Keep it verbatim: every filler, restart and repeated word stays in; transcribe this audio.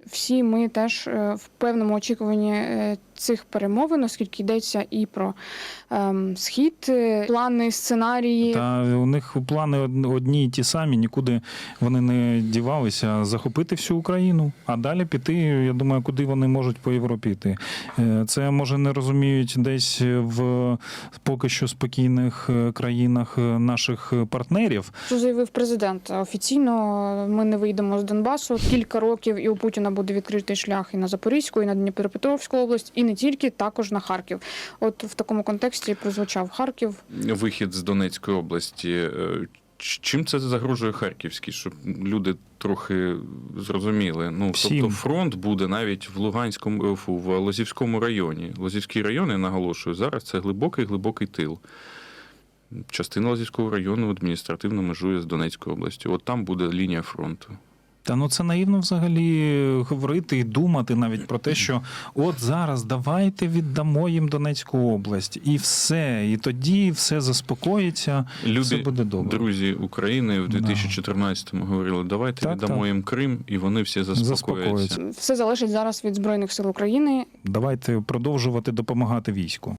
всі ми теж в певному очікуванні цих перемовин, оскільки йдеться і про ем, схід, плани, сценарії. Та у них плани одні й ті самі, нікуди вони не дівалися. Захопити всю Україну, а далі піти, я думаю, куди вони можуть по Європі йти. Це, може, не розуміють десь в поки що спокійних країнах наших партнерів. Що заявив президент? Офіційно ми не вийдемо з Донбасу. Кілька років і у Путіна буде відкритий шлях і на Запорізьку, і на Дніпропетровську область, і не тільки, також на Харків. От в такому контексті прозвучав Харків. Вихід з Донецької області. Чим це загрожує Харківській, щоб люди трохи зрозуміли? Ну, Всім. тобто фронт буде навіть в Луганському, фу, в Лозівському районі. Лозівський район, я наголошую, зараз це глибокий-глибокий тил. Частина Лозівського району адміністративно межує з Донецькою областю. От там буде лінія фронту. Та ну це наївно взагалі говорити і думати навіть про те, що от зараз давайте віддамо їм Донецьку область і все, і тоді все заспокоїться, Люди, все буде добре. Друзі України в дві тисячі чотирнадцятому говорили, давайте так, віддамо так. їм Крим, і вони всі заспокояться. Заспокоїться. Все залежить зараз від Збройних сил України. Давайте продовжувати допомагати війську.